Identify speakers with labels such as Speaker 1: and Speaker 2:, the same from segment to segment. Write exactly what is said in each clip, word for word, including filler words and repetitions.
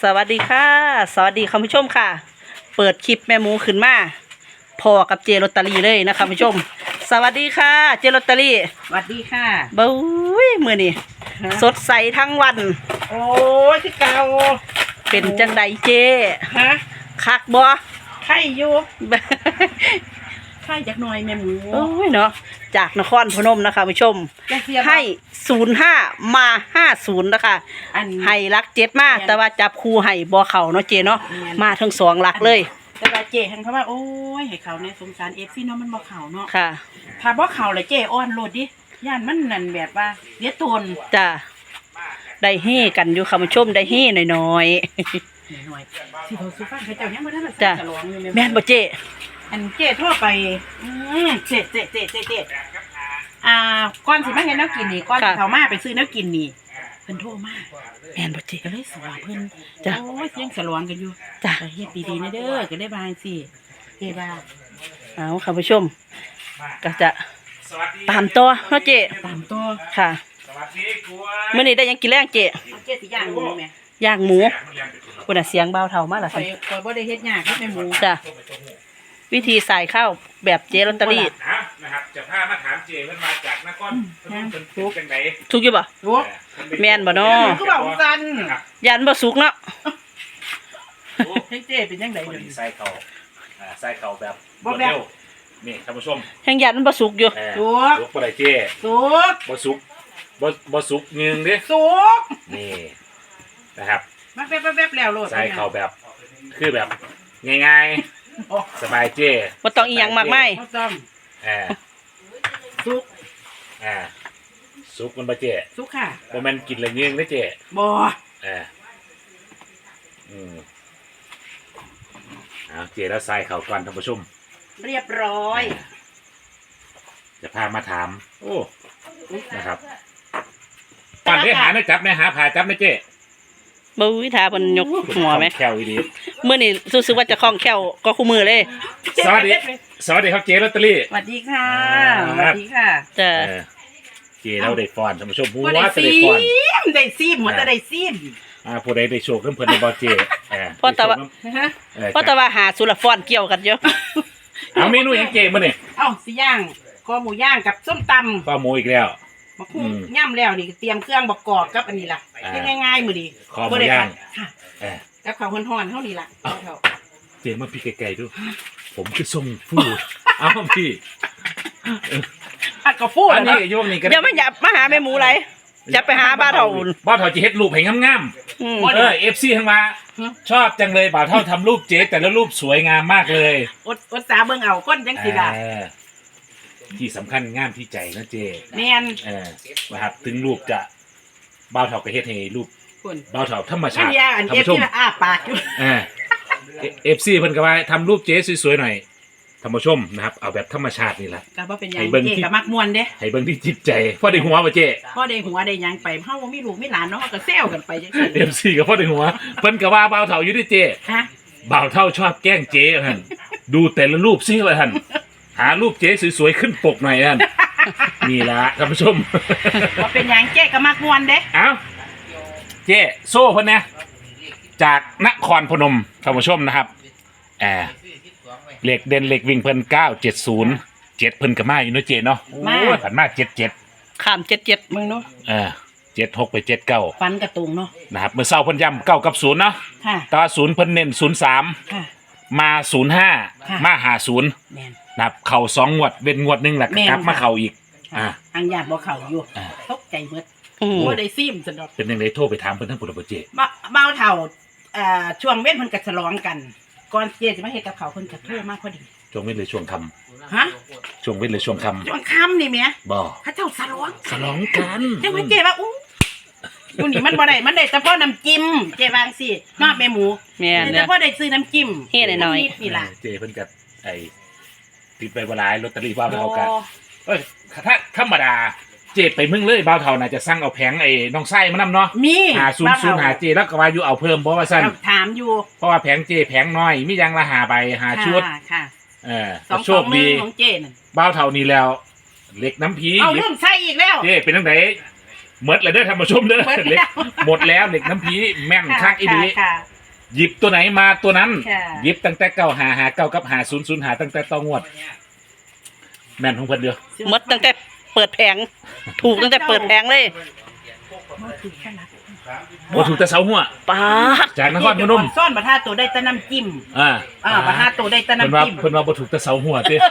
Speaker 1: สวัสดีค่ะสวัสดีคุณผู้ชมค่ะเปิดคลิปแม่หมูขึ้นมาพอกับเจลอตเตอรี่เลยนะคะคุณผู้ชมสวัสดีค่ะเจลอตเตอรี่
Speaker 2: สวัสดีค่ะ
Speaker 1: บุ้ยมือนี่สดใสทั้งวัน
Speaker 2: โอ้ยที่เก่า
Speaker 1: เป็นจังใดเจ
Speaker 2: ฮะ
Speaker 1: คักบ่
Speaker 2: ไข่อยู่ไข่จากหน่อยแม่หมู
Speaker 1: โอ้ยเนาะจากนครพนมนะคะผู้ชมให้ศูนย์ห้ามาห้าศูนย์นะคะให้รักเจ็ดมาแต่ว่าจับคู่ให้บ่เข่าเนาะเจเนาะมาทั้งสองหลักเลย
Speaker 2: แต่ว่าเจทั้งเขาว่าโอ้ยให้เขาเนี่ยสงสารเอฟซีเนาะมันบ่เข่าเนาะ
Speaker 1: ค่ะ
Speaker 2: ถ้าบ่เข่าเลยเจอ้อนโลดดิย่านมันนั่นแบบว่าเลี้ยตน
Speaker 1: จ้าได้เฮ่กันอยู่ค่ะผู้ชมได้เฮ่หน่อยๆหน่อย
Speaker 2: ที่เขาสุฟังเขาเจ้ายังบ่ทัน
Speaker 1: จ้าแม่นบ่เจ
Speaker 2: อันเจทั่วไปอืมเจเจเจเจเจอ่าก่อนสิมาเห็นแนวกินนี่ก่อนเขามาไปซื้อแนวกินนี่เพิ่นโทรมา
Speaker 1: แม่นบ่เจ
Speaker 2: ก็เลยสวาเพิ่นจ้ะโอ้ยยังสลองกันอยู่
Speaker 1: จ้ะ
Speaker 2: เฮ็ดดีๆนะเด้อก็ได้บางสิเฮ็ดว่า
Speaker 1: เอาค่ะผู้ชมก็จะตามตัวเนาะเจ
Speaker 2: ตามตัว
Speaker 1: ค่ะมื้อนี้ได้ยังกินแรงเจ
Speaker 2: เจสิย่างหมูแม่
Speaker 1: ย่างหมูพุ่นน่ะเสียงเบาเท่ามาล่ะ
Speaker 2: ค่ะข่อยบ่ได้เฮ็ดยากเฮ็ดแม่หมู
Speaker 1: จ้ะวิธีใส่ข้าวแบบเจลอตเตอรี่
Speaker 3: นะครับจะพามาถามเจเพิ่นมาจากนครเพิ่นเป็นทุกจังได๋
Speaker 1: ทุกอยู่บ่
Speaker 2: ทุก
Speaker 1: แม่นบ่เนาะ
Speaker 2: คือบ่กัน
Speaker 1: ยันบ่สุกเนาะ
Speaker 2: เฮ้ยเจเป็นจังได๋เดี๋ยวนี้
Speaker 3: ใส่ข้าวอ่าใส่ข้าวแบบบ่เร็วนี่ท่านผู้ชม
Speaker 1: แห่งยันบ่สุกอยู่
Speaker 2: สุก
Speaker 3: สุกบ่ได้เจ
Speaker 2: สุก
Speaker 3: บ่สุกบ่บ่สุกนึงเด้
Speaker 2: สุก
Speaker 3: นี่นะครับ
Speaker 2: มาแป๊บๆๆแล้วโลด
Speaker 3: ใส่ข้าวแบบคือแบบง่ายๆสบายเจ้
Speaker 1: บ่ต้องอีหยังมากมาย
Speaker 2: บ่ต้อง
Speaker 3: อ่า
Speaker 2: สุก
Speaker 3: อ่าสุกมันบ่เจ้
Speaker 2: สุกค่ะ
Speaker 3: บ่แม่นกินละยืงเด้อเจ้
Speaker 2: บ่
Speaker 3: อ่าอืมเอาเจ้แล้วใส่ข้าวก่อนท่านผู้ชม
Speaker 2: เรียบร้อย
Speaker 3: จะพามาถามโอ้นะครับก่อนได้หาได้จับได้หาผ่าจับนะเจ้
Speaker 1: บ่วิธาเพิ่นยกหัวมั้ย
Speaker 3: แค่วอีดี
Speaker 1: มื้อนี้รู้สึกว่าจะคล่องแคล่วก็คู่มือเลย
Speaker 3: สวัสดีสวัสดีครับเจลอตเตอรี่
Speaker 2: สวัสดีค่ะสวัสดีค่ะ
Speaker 1: จ้ะ
Speaker 3: เจเราได้ฟอนท่านผู้ชมผู้ว่าจะได้ฟอน
Speaker 2: ได้ซีมหัวจะได้ซีม
Speaker 3: อ่าผู้ใดได้โชคเพิ่นเพิ่นได้บ่เจเออ
Speaker 1: เพราะแต่ว่าเพราะแต่ว่าหาสุรฟอนเกี่ยวกันอยู่
Speaker 3: เอาเมนูหยังเจมื้อนี้
Speaker 2: เอ้าสิย่างคอหมูย่างกับส้มตำ
Speaker 3: คอหมูอีกแล้ว
Speaker 2: บักหุ่งย่ำแล้วนี่เตรียมเครื่องบักกอกกับอันนี้ล่ะง่ายๆมื้อนี้
Speaker 3: คอหมูย่าง
Speaker 2: ค่ะเออกับข้าวฮ้อนๆเฮานี่ล่ะ
Speaker 3: เจมาพี่ไกลๆดูผมคือทรงฟูเอ้าพี่
Speaker 2: อัดกระฟู
Speaker 3: อันนี้โยมนี่ก็
Speaker 1: เดี๋ยวมันอย่ามาหาแม่หมูไรจะไปหาบ้าเฒ่า
Speaker 3: บ้าเฒ่าจะเฮ็ดรูปให้งามๆเออ เอฟ ซี ทั้งมาชอบจังเลยบ่าวเฒ่าทำรูปเจ๊แต่ละรูปสวยงามมากเลย
Speaker 2: อดอดสาเบิ่งเอาคนจังสิล่ะ
Speaker 3: ที่สำคัญงามที่ใจนะเจ๊
Speaker 2: แม่น
Speaker 3: เออนะครับถึงรูปจะบ่าวเฒ่าก็เฮ็ดให้รูปบ่าวเฒ่าธรรมชาติ
Speaker 2: ท่านผู้ชมอ้าปากอยู่
Speaker 3: เออ เอฟ ซี เพิ่นก็ว่าทำรูปเจ๊สวยๆหน่อยท่านผู้ชมนะครับเอาแบบธรรมชาตินี่แหละ
Speaker 2: ก็บ่เป็นหยังเจ๊ก็มักม่วนเด้
Speaker 3: ให้เบิ่งที่จิตใจพอได้หัวบ่เจ๊
Speaker 2: พอได้หัวได้หยังไปเฮาบ่มีลูกมีหลานเนาะก็แซวกันไปจังซี่
Speaker 3: เอฟ ซี ก็พอได้หัวเพิ่นก็ว่าบ่าวเฒ่าอยู่ดิเจ๊
Speaker 2: ฮะ
Speaker 3: บ่าวเฒ่าชอบแกล้งเจ๊ท่านดูแต่ละรูปซิว่าท่านหารูปเจ๊สวยๆขึ้นปกหน่อยท่านนี่ล่ะท่านผู้ชม
Speaker 2: บ่เป็นหยังเจ๊ก็มักม่วนเด้
Speaker 3: เอ้าเจ๊โซ่เพิ่นนะจากนครพนมท่านผู้ชมนะครับแอบเหล็กเด่นเหล็กวิ่งเพิ่นเก้าเจ็ดศูนย์เจ็ดเพิ่นก็มาอยู่เนาะเจ๊เนาะโอ้ยผ่านมาเจ็ดเจ็ด
Speaker 1: ข้ามเจ็ดเจ็ด
Speaker 2: มึงเนาะ
Speaker 3: เออเจ็ดหกไปเจ็ดเก้า
Speaker 2: ฟันกระตุงเนาะ
Speaker 3: นะครับเมื่อเช้าเพิ่นย้ำเก้ากับศูนย์เนาะ
Speaker 2: ค่ะ
Speaker 3: แต่ว่าศูนย์เพิ่นเน้นศูนย์สามมาศูนย์ห้ามาหาศูนย์นะครับเข่าสองงวดเว้นงวดหนึ่งแหละกลับมาเข่าอีก
Speaker 2: อ่าอังญาติบ่เข่าอยู่ตกใจเบิดบ่ได้ซิมสะดอก
Speaker 3: เป็นยังไงโทรไปถามเพิ่นทั้งปุระเจ
Speaker 2: บ่เบาเฒ่าอ่าช่วงเว้นเพิ่นก็ฉลองกันก่อนเจ๊จะมาเฮ็ดกับเขาเพิ่นก็โทรมาพอดี
Speaker 3: ช่วงเว้นเลยช่วงค่ำ
Speaker 2: ฮะ
Speaker 3: ช่วงเว้นเลยช่วงค่ำ
Speaker 2: ช่วงค่ำนี่แม่
Speaker 3: บ่
Speaker 2: เขาเจ้าฉลอง
Speaker 3: ฉลองกัน
Speaker 2: จังว่าเจ๊ว่าอู้อยู่นี่มันบ่ได้มันได้เฉพาะน้ำจิ้มเจ๊วางสิเนาะแม่หมู
Speaker 1: แม่น
Speaker 2: เฉพาะได้ซื้อน้ำจิ้ม
Speaker 1: เฮ็ดหน่อย
Speaker 2: นี่ล่ะ
Speaker 3: เจ๊เพิ่นก็ไอ้ติดไปบ่หลายลอตเตอรี่บ่าวเฒ่ากันเอ้ยถ้าธรรมดาเจ๊ไปมึงเลยบ่าวเฒ่าน่าจะสั่งเอาแผงไอ้น้องไส้มานำเนาะ
Speaker 2: มี
Speaker 3: หาศูนย์ ศูนย์หาเจ๊แล้วก็ว่าอยู่เอาเพิ่มบ่ว่าซั่น
Speaker 2: ถามอยู่
Speaker 3: เพราะว่าแผงเจ๊แผงน้อยมีอย่างละห้าใบห้าชุด
Speaker 2: ค่ะ
Speaker 3: เออโชคดี
Speaker 2: ของเจ๊นั่น
Speaker 3: บ่าวเฒ่านี่แล้วเหล็กน้ำผี
Speaker 2: เอาเริ่มใส่อีกแล้ว
Speaker 3: เจ๊เป็นจังได๋หมดแล้วเด้อท่านผู้ชมเด้อเหล็กหมดแล้วเหล็กน้ำผีแม่นคักอีหลีหยิบตัวไหนมาตัวนั้น
Speaker 2: ค่ะ
Speaker 3: หยิบตั้งแต่เก้าหาหาเก้ากับหาศูนย์ศูนย์หาตั้งแต่ตองวด แม่นของเพิ่นเดียว
Speaker 1: หมดตั้งแต่เปิดแผงถูกตั้งแต่เปิดแผงเลย
Speaker 2: บ่ถือแค่นั้น
Speaker 3: บ่ถูกแต่เสาหัว
Speaker 1: ป้าด
Speaker 3: จากนครพนม
Speaker 2: ซ่อนประทาตัวได้แต่น้ำจิ้ม
Speaker 3: อ่า
Speaker 2: อ่าประทาตัวได้แต่
Speaker 3: เพิ่น
Speaker 2: น้ำ
Speaker 3: ว่า
Speaker 2: จิ้ม
Speaker 3: เพิ่นว่าบ่ถูกแต่เสาหัวติ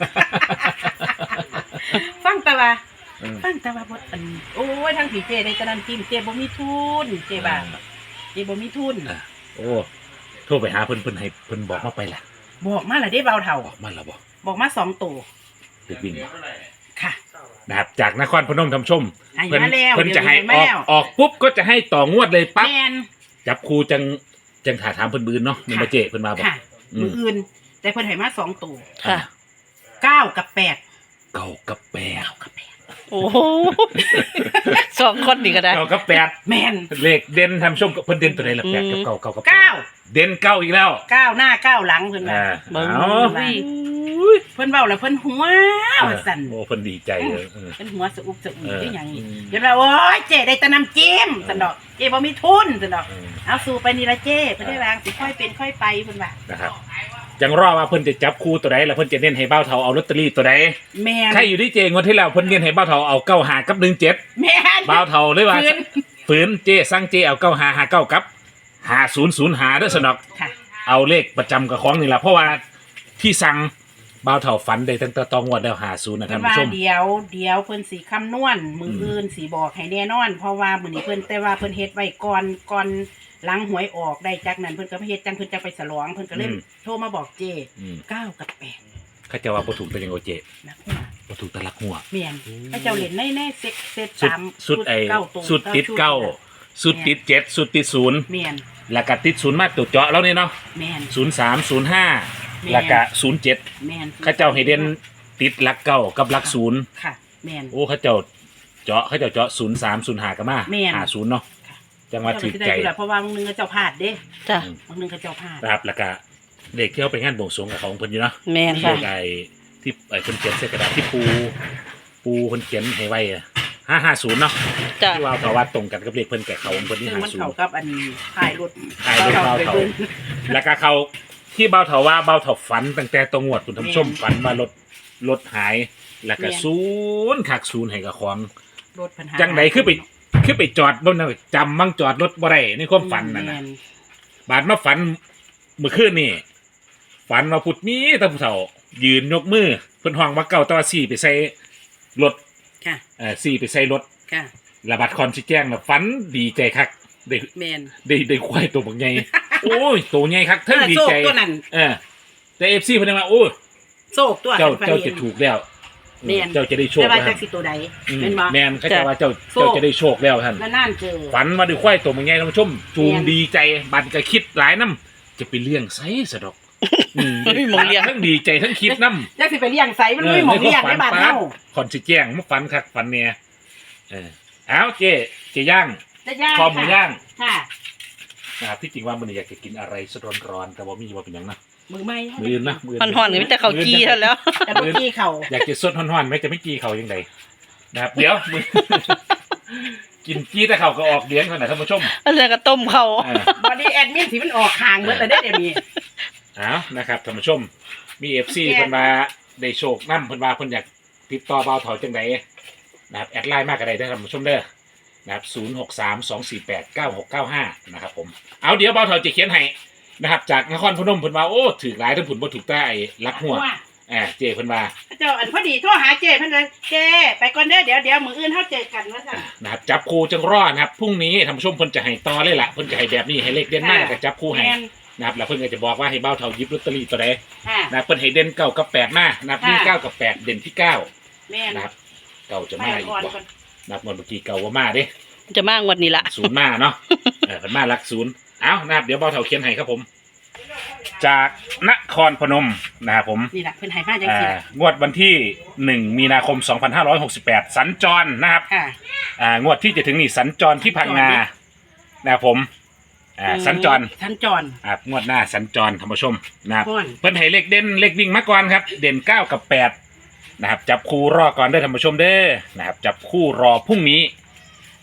Speaker 2: ฟังแต่ว่า
Speaker 3: เออ
Speaker 2: ฟังแต่ว่าบ่อันโอ้ยทางผีเจได้แต่น้ำจิ้มเจบ่มีทุนเจบ่าเจบ่มีทุน
Speaker 3: อ่าโอ้โทรไปหาเพิ่นเพิ่นให้เพิ่นบอกมาไปล่ะ
Speaker 2: บอกมาและได้เบาเท่า
Speaker 3: บอกมาแล้วบ่
Speaker 2: บอกมาสองตัว
Speaker 3: เด็กวิ่งบ่
Speaker 2: ค่ะ
Speaker 3: นะครับจากนครพนมท่านผู้ชม
Speaker 2: ให้
Speaker 3: เพิ่น
Speaker 2: มาแล้ว
Speaker 3: เพิ่นจะให้
Speaker 2: เดี๋ยวนี้
Speaker 3: อ
Speaker 2: ให้
Speaker 3: อก
Speaker 2: มาแล้ว
Speaker 3: ออกปุ๊บก็จะให้ต่องวดเลยปั๊บ
Speaker 2: แมน
Speaker 3: จับครูจังจังถาถามเพิ่นบืนเนาะนี่มาเจเพิ่นมาบอก
Speaker 2: ค่ะ
Speaker 3: อืม
Speaker 2: มืออื่น แต่เพิ่นให้มาสองตัว
Speaker 1: ค่ะ
Speaker 2: เก้ากับแปด
Speaker 3: เก้ากับแปด
Speaker 2: เก้ากับแปด
Speaker 1: โอ้โหสองคนนี่ก็ได้
Speaker 3: เก้ากับแปด
Speaker 2: แมน
Speaker 3: เลขเด่นทำชมกับเพิ่นเด่นตัวไหนล่ะแปดกับ
Speaker 1: อืม
Speaker 3: เก้าเก้ากับแปด
Speaker 2: เก้า
Speaker 3: เด่นเก้าอีกแล้ว
Speaker 2: เก้าหน้าเก้าหลังเพิ่นว่า
Speaker 3: อ่า
Speaker 1: เบิ่ง
Speaker 3: เอา
Speaker 1: อุ้ย
Speaker 2: เพิ่นเว้าแล้วเพิ่นหัวว่าสั่น
Speaker 3: โอ้เพิ่นดีใจเลยเออ
Speaker 2: เพิ่นหัวสะอุบสะอุ่น
Speaker 3: เออ
Speaker 2: ที่หยังนี่
Speaker 3: อืม
Speaker 2: เดี๋ยวเราโอ้ยเจได้แต่น้ำจิ้มสั่นดอกเจบ่มีทุนสั่นดอก
Speaker 3: เออ
Speaker 2: เอาสู่ไปนี่ละเจเพิ่นได้วางสิค่อยเป็นค่อยไปเพิ่นว่า
Speaker 3: นะครับจังรอว่าเพิ่นจะจับคู่ตัวใดแล้วเพิ่นจะเน้นให้เบ้าเทาเอาลอตเตอรี่ตัวใด
Speaker 2: แม่น
Speaker 3: ใครอยู่ที่เจงวดที่แล้วเพิ่นเน้นให้เบ้าเทาเอาเก้าหากับหนึ่งเจ็ด
Speaker 2: แม่น
Speaker 3: เบ้าเทาเลยว่า
Speaker 2: ฝืน
Speaker 3: ฝืนเจสั่งเจเอาเก้าหาหาเก้ากับหาศูนย์ศูนย์หาเด้อสนอก
Speaker 2: ค่ะ
Speaker 3: เอาเลขประจำกับของนี่แหละเพราะว่าที่สั่งเบ้าเทาฝันได้ตั้งแต่ตองวดแล้วหาศูนย์นะ
Speaker 2: เพิ่
Speaker 3: ท่าน
Speaker 2: นว่า
Speaker 3: ผู้ชม
Speaker 2: เดี๋ยวเดี๋ยวเพิ่นสิคำนวณมือ
Speaker 3: อืม
Speaker 2: อื่นสิบอกให้แน่นอน เพราะว่ามื้อนี้เพิ่นแต่ว่าเพิ่นเฮ็ดไว้ก่อนก่อนหลังหวยออกได้จากนั้นเพิ่นก็ไปเฮ็ดจังเพิ่นจะไปฉลองเพิ่นก็เลยโทรมาบอกเจ
Speaker 3: อืม
Speaker 2: เก้ากับแปด
Speaker 3: เขาจะว่าบ่ถูกแต่ยังโอเจ
Speaker 2: นะหัว
Speaker 3: บ่ถูกแต่ลักหัว
Speaker 2: แม่นให้เจ้าเล่นในในเซ็ตเซ็ต
Speaker 3: สุด
Speaker 2: สาม
Speaker 3: สุดไอ้
Speaker 2: เก้าตัว
Speaker 3: สุดติดเก้าสุดติดเจ็ดสุดติดศูนย์
Speaker 2: แม่น
Speaker 3: แล้วก็ติดศูนย์มาตัวเจาะแล้วนี่เนาะ
Speaker 2: แม่น
Speaker 3: ศูนย์สามศูนย์ห้า
Speaker 2: แม่น
Speaker 3: แล้วก็ศูนย์เจ็ด
Speaker 2: แม่น
Speaker 3: เขาเจ้าให้เด่นติดหลักเก้ากับหลักศูนย์
Speaker 2: ค่ะแม่น
Speaker 3: โอ้เขาเจ้าเจาะเขาเจ้าเจาะศูนย์สามศูนย์ห้าก็มา
Speaker 2: แม่น
Speaker 3: หาศูนย์เนาะจังหวัดถือ
Speaker 2: เจ้าก็สิได้
Speaker 3: ใจ
Speaker 2: อยู่แหละเพราะว่าบางนึงก็เจ้าพลาดเด้
Speaker 1: จ้ะ
Speaker 3: อืม
Speaker 2: บางนึงก็เจ้าพลาด
Speaker 3: นะครับแล้วก็เด็กที่เขาไปงานบวงสรวงกับของเพิ่นอยู่เนาะ
Speaker 1: แม่น
Speaker 3: เล
Speaker 1: ค่ะ
Speaker 3: ขไอ้ที่ไอ้เพิ่นเขียนใส่กระดาษที่ปูปูเพิ่นเขียนให้ไว้ห้าห้าศูนย์เนาะ
Speaker 1: จ้ะ
Speaker 3: ที่ว่าเขาว่าตรงกันกับเลขเพิ่นแก่เขาของเพิ่นที่
Speaker 2: ซึ่ง
Speaker 3: ห้า
Speaker 2: มัน
Speaker 3: ศูน
Speaker 2: เข้า
Speaker 3: ย์
Speaker 2: กับอันถ่ายรถ
Speaker 3: ถ่ายรถ
Speaker 2: เบา
Speaker 3: เบา
Speaker 2: ไป
Speaker 3: เถา
Speaker 2: เบิ่ง
Speaker 3: แล้วก็เขาที่เบาเถาว่าเบาเถาฝันตั้งแต่ตรงงวดคุณทำชม
Speaker 2: แม่น
Speaker 3: ฝันว่ารถรถหาย แล้วก็
Speaker 2: แม่น
Speaker 3: ศูนย์ขักศูนย์ให้กับของ
Speaker 2: รถปัญหา
Speaker 3: จังไหนคือไปคือไปจอดบนนั้นจำมั่งจอดรถบ่ได้ในความฝันนั่น
Speaker 2: แม่
Speaker 3: นะบาดมาฝันเมื่อคืนนี่ฝันว่าพุทธมีแตาผู้เฒ่า ยืนยกมือเพิ่นห้องว่าเก่าแตว่าสี่ไปใส่รถ
Speaker 2: ค่ะ
Speaker 3: เอ่อสี่ไปใส่รถ
Speaker 2: ค่ะ
Speaker 3: ระบัดคอนสิแจ้งน่ะฝันดีใจคักได้
Speaker 2: แม่น
Speaker 3: ได้ได้ควายตัวบักใหญ่ โอ้ยตัวใหญ่คักเทั้งดี
Speaker 2: โซก
Speaker 3: ใจ
Speaker 2: ตัวนั้น
Speaker 3: เออแต่ เอฟ ซี เพิ่นว่าโอ้ย
Speaker 2: โซกตัว
Speaker 3: เจ้า
Speaker 2: พิ่น
Speaker 3: เจ้า
Speaker 2: ห็
Speaker 3: จะ
Speaker 2: น
Speaker 3: ถูกแล้ว
Speaker 2: แม่น
Speaker 3: เจ้าจะได้โชค
Speaker 2: แต่ว่า
Speaker 3: แล้ว
Speaker 2: จักสิตัวใด
Speaker 3: อืม
Speaker 2: แม่นบ่
Speaker 3: แม่นเขาจะว่าเจ้า
Speaker 2: โชค
Speaker 3: เจ้าจะได้โชคแล้วท่าน
Speaker 2: นานๆเจอ
Speaker 3: ฝันว่าได้ควายตัวมันใหญ่ท่านผู้ชมจูง
Speaker 2: แม่น
Speaker 3: ดีใจบัดก็คิดหลายน้ำจะไปเลี้ยงไสสะดอกอืม
Speaker 1: ไม่มีหม้องเลี้ยง
Speaker 3: ทั้งดีใจทั้งคิดน้ำ
Speaker 2: จักสิไปเลี้ยงไสมันบ่มีหมองเลี้ยงในบ้านเฮา
Speaker 3: คอนสิแจ้งมาฝันคักฝันเนี่ยเออเอาเจ๊เจ๊ย่าง
Speaker 2: จะย่าง
Speaker 3: คอหมูย่าง
Speaker 2: ค่ะ
Speaker 3: นะครับที่จริงว่ามันอยากจะกินอะไรสดร้อนๆแต่ว่ามีว่าเป็นหยังนะ
Speaker 2: มือไม้
Speaker 3: มืออื่นนะมือ
Speaker 1: มันห่อนกันมีแต่เขาวจี้เท่านั้นแล้ว
Speaker 2: แต่เมื่อกี้เขา
Speaker 3: อยากจะสดฮ้อนๆไหมจะไม่กีเขายังไงนะครับเดี๋ยวมือ กินกี้แต่เขาก็ออกเลี้ยงขนาดท่านผู้ชม
Speaker 1: แล้วก็ต้มเขา
Speaker 3: อ่า
Speaker 2: บอดี้แอดมินสิมันออกห่างเมื่อแต่ได้เดี๋ยวนี้
Speaker 3: เอานะครับท่านผู้ชม มีเอฟซีเพิ่นมาได้โชคน้ำเพิ่นมาเพิ่นอยากติดต่อเบาเถาจังไดนะครับแอดไลน์มากก็ได้เด้อท่านผู้ชมเด้อนะครับศูนย์หกสามสองสี่แปดเก้าหกเก้าห้านะครับผมเอาเดี๋ยวเบาเถาจะเขียนให้นะครับจากนครพนมเพิ่นว่าโอ้ถือหลายทั้งผุนบ่ถูกใต้ลักหัวอ่าเจเพิ่นว่า
Speaker 2: เจ้าอันพอดีโทรหาเจ้เพิ่นเลยเจ้ไปก่อนเด้อเดี๋ยวเดี๋ยวมื้ออื่นเฮาเจอกันว่าซั่น
Speaker 3: นะครับจับคู่จังรอดนะครับพรุ่งนี้ท่านผู้ชมเพิ่นจะให้ต่อเลยล่ะเพิ่นจะให้แบบนี้ให้เลขเด่นมากกับจับคู่ให้
Speaker 2: แม่น
Speaker 3: นะครับแล้วเพิ่นก็จะบอกว่าให้เบ้าเท่าหยิบลอตเตอรี่ตัวใด
Speaker 2: ค่ะ
Speaker 3: นะครับเพิ่นให้เด่นเก้ากับแปดมานะครับ
Speaker 2: ค่ะ
Speaker 3: มีเก้ากับแปดเด่นที่เก้า
Speaker 2: แม่น
Speaker 3: นะครับเก้าจะ
Speaker 2: ไม่
Speaker 3: มาอีก
Speaker 2: ก่อน
Speaker 3: บ่
Speaker 2: ก่อน
Speaker 3: นะครับงวดเมื่อกี้เก้าว่ามาเด้
Speaker 1: จะมากวันนี้ละ
Speaker 3: ศูนย์มาเนาะเออเพิ่นมาหลักศูนย์เอานะครับเดี๋ยวเบ้าเท่าเขียนให้ครับผม จากนครพนมนะครับผม
Speaker 2: นี่ล่ะเพิ่นให้มาจัง
Speaker 3: อ่า
Speaker 2: ซี่
Speaker 3: งวดวันที่หนึ่งมีนาคมสองพันห้าร้อยหกสิบแปดสัญจรนะครับ
Speaker 2: ค่ะ
Speaker 3: อ่างวดที่จะถึงนี่สัญจรที่พังงานะครับผมอ่าสัญจร
Speaker 2: สัญจร
Speaker 3: อ่างวดหน้าสัญจรท่านผู้ชมนะครับ
Speaker 2: ม่วน
Speaker 3: เพิ่นให้เลขเด่นเลขวิ่งมาก่อนครับ เด่นเก้ากับแปดนะครับจับคู่รอก่อนเด้อท่านผู้ชมเด้อนะครับจับคู่รอพรุ่งนี้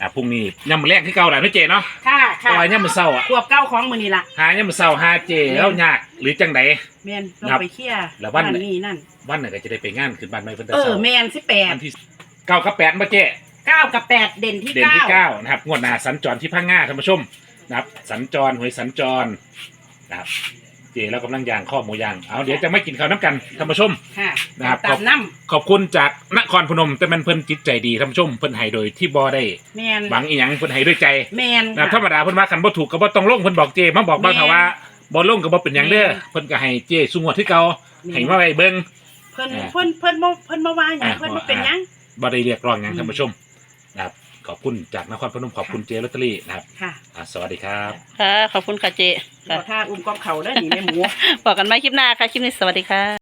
Speaker 3: อ่าพรุ่งนี้ย่ำแรงที่เก่าแหละเนาะเจเนาะ
Speaker 2: ค่ะ
Speaker 3: เพ
Speaker 2: ค่ะ
Speaker 3: ราะว่าย่ำมื้อเช้าอ่ะ
Speaker 2: ขวบเก้าของมือนี่ล่ะ
Speaker 3: หาย่ำมื้อเช้าหาเจแล้วยากหรือจังได
Speaker 2: แมนลง
Speaker 3: ครับ
Speaker 2: ไปเคลียร์
Speaker 3: แล้ววัน
Speaker 2: นี่นั่น
Speaker 3: วันไหนก็จะได้ไปงานขึ้นบ้านใหม่เพิ่นแต่
Speaker 2: เออ
Speaker 3: เช้า
Speaker 2: แมนสิบแปด
Speaker 3: วันที่เก้ากับแปดมาเจ
Speaker 2: เก้ากับแปดเด่นที่
Speaker 3: เด่น
Speaker 2: เก้า
Speaker 3: ที่เก้านะครับงวดหน้าสัญจรที่พังงาท่านผู้ชมนะครับสัญจรหวยสัญจรนะครับเจแล้วกำลังย่างข้อหมูย่างเอาเดี๋ยวจะไม่กินข้าวน้ำกันท่านผู้ชม
Speaker 2: ค่ะ
Speaker 3: นะครับ
Speaker 2: ตามน้
Speaker 3: ขอบคุณจากนครพนมแต่มันเพิ่นจิตใจดีท่านผู้ชมเพิ่นให้โดยที่บ่ได้
Speaker 2: ำแมน
Speaker 3: หวังอีหยังเพิ่นให้ด้วยใจ
Speaker 2: แมน
Speaker 3: นะธรรมดาเพิ่นว่าคันบ่ถูกก็บ่ต้องลงเพิ่นบอกเจมาบอกบ้างเถอะว่าบ่ลงก็บ่เป็นหยังเด้อเพิ่นก็ให้เจสุงวดที่เก่าให้มาไว้เบิ่ง
Speaker 2: เพิ่น
Speaker 3: อ่า
Speaker 2: เพิ่นเพิ่นบ่เพิ่นบ่ว่าหยัง
Speaker 3: อ่า
Speaker 2: เพิ่นบ่เป็นหยัง
Speaker 3: บ่ได้เรียกร้องหยัง
Speaker 2: อืม
Speaker 3: ท่านผู้ชมนะครับขอบคุณจากนครพนมขอบคุณเจลอตเตอรี่นะครับ
Speaker 2: ค่ะ
Speaker 3: อ่าสวัสดีครับ
Speaker 1: ค่ะขอบคุณค่ะเจ
Speaker 2: ขอท่าอุ้มกอบเขาเด้อนี่แม่หมู
Speaker 1: บอกกันไหมคลิปหน้าค่ะ คลิปนี้สวัสดีค่ะ